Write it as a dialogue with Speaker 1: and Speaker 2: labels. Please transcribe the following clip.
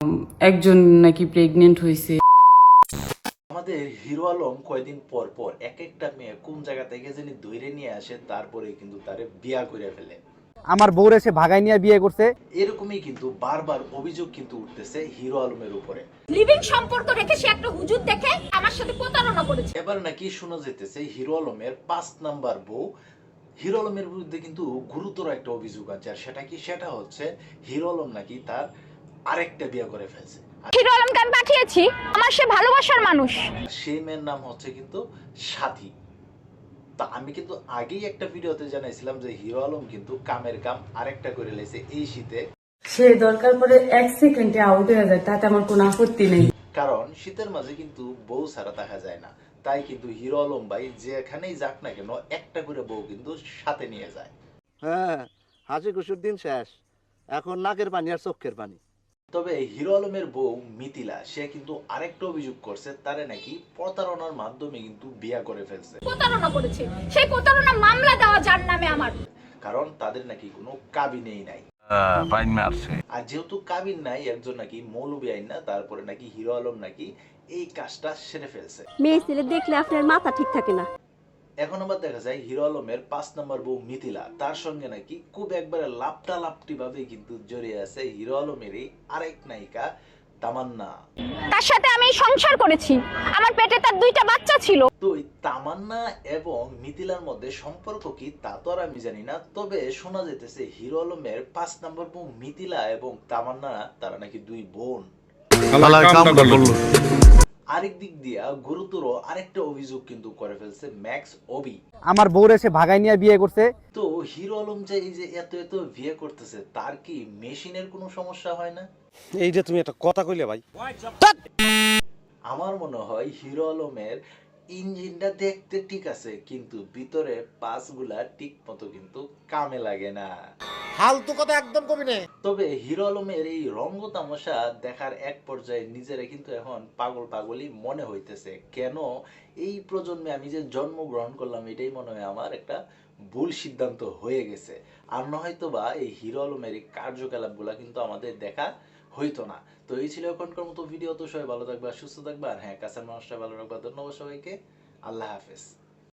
Speaker 1: একজন নাকি প্রেগনেন্ট হয়েছে।
Speaker 2: আমাদের হিরো আলম কয়দিন পর পর এক একটা মেয়ে কোন জায়গা থেকে জানি ধরে নিয়ে আসে, তারপরে কিন্তু তারে বিয়া করে ফেলে।
Speaker 3: আমার বউরে সে ভাগাই নিয়ে বিয়ে করছে।
Speaker 2: এরকমই কিন্তু বারবার অভিযোগ কিন্তু উঠতেছে হিরো আলমের উপরে।
Speaker 4: লিভিং সম্পর্ক রেখে সে একটা হুজুর দেখে আমার সাথে প্রতারণা করেছে।
Speaker 2: এবার নাকি শোনা যেতেছে হিরো আলমের 5 নাম্বার বউ হিরো আলমের বিরুদ্ধে কিন্তু গুরুতর একটা অভিযোগ আছে। আর সেটা হচ্ছে হিরো আলম নাকি তার আরেকটা বিয়ে করে ফেলছে।
Speaker 4: হিরো আলমকে আমি পাঠিয়েছি, আমার সে ভালোবাসার মানুষ।
Speaker 2: সেই মেয়ের নাম হচ্ছে কিন্তু সাথী। তা আমি কিন্তু আগেই একটা ভিডিওতে জানাইছিলাম যে হিরো আলম কিন্তু কামের কাম আরেকটা করে লেছে এই শীতে।
Speaker 1: সে দরকার পরে 1 সেকেন্ডে আউট হয়ে যায়, তাতে আমার কোনো আপত্তি নেই।
Speaker 2: কারণ শীতের মাঝে কিন্তু বউ ছাড়া দেখা যায় না, তাই কিন্তু হিরো আলম ভাই যেখানেই যাক না কেন একটা করে বউ কিন্তু সাথে নিয়ে যায়।
Speaker 5: হ্যাঁ, হাসি খুশির দিন শেষ, এখন নাকের পানি আর চোখের পানি।
Speaker 2: তবে হিরো আলমের বউ মিথিলা সে কিন্তু আরেকটা অভিযোগ করছে, তারে নাকি প্রতারণার মাধ্যমে কিন্তু বিয়া করে ফেলছে।
Speaker 4: প্রতারণা করেছে, সেই প্রতারণা মামলা দেওয়া যার নামে আমার।
Speaker 2: কারণ তাদের নাকি কোনো কাবিনেই নাই। আর যেহেতু কাবিন নাই, একজন নাকি মৌলবী আইন না, তারপরে নাকি হিরো আলম নাকি এই কাজটা সেরে ফেলছে।
Speaker 6: মেয়ে ছেলে দেখলে আপনার মাথা ঠিক থাকে না।
Speaker 2: এখন আবার দেখা যায় হিরো আলমের 5 নম্বর বউ মিথিলা, তার সঙ্গে নাকি খুব একবারে লাপটি ভাবে কিন্তু জড়িয়ে আছে হিরো আলমেরই আরেক নায়িকা তামান্না।
Speaker 4: তার সাথে আমি সংসার করেছি, আমার পেটে তার 2টা বাচ্চা ছিল।
Speaker 2: তো এই তামান্না এবং মিথিলার মধ্যে সম্পর্ক কি তা তো আর আমি জানি না, তবে শোনা যেতেছে হিরো আলমের 5 নম্বর বউ মিথিলা এবং তামান্না তারা নাকি 2 বোন। আরেক দিক দিয়া গুরুতর আরেকটা অভিযোগ কিন্তু করে ফেলছে ম্যাক্স অবি।
Speaker 3: আমার বউরে সে ভাগাই নিয়ে বিয়ে করছে।
Speaker 2: তো হিরো আলম যে এই যে এত বিয়ে করতেছে, তার কি মেশিনের কোনো সমস্যা হয় না?
Speaker 7: এই যে তুমি একটা কথা কইলে ভাই,
Speaker 2: আমার মনে হয় হিরো আলমের ইঞ্জিনটা দেখতে ঠিক আছে, কিন্তু ভিতরে পাসগুলা ঠিক মতো কিন্তু কামে লাগে না।
Speaker 7: ফালতু কথা একদম কবি না।
Speaker 2: তবে হিরো আলমের এই রঙ্গ তামাশা দেখার এক পর্যায়ে নিজেরা কিন্তু এখন পাগলই মনে হইতেছে। কেন এই প্রজন্মে আমি যে জন্মগ্রহণ করলাম, এটাই মনে হয় আমার একটা ভুল সিদ্ধান্ত হয়ে গেছে। আর নয়তো বা এই হিরো আলমের এই কার্যকলাপগুলা কিন্তু আমাদের দেখা হইতো না। তো এই ছিল এখনকার মতো ভিডিও। তো সবাই ভালো থাকবা, সুস্থ থাকবা, আর হ্যাঁ, কাছের মানুষটা ভালো রাখবা। ধন্যবাদ সবাইকে। আল্লাহ হাফেজ।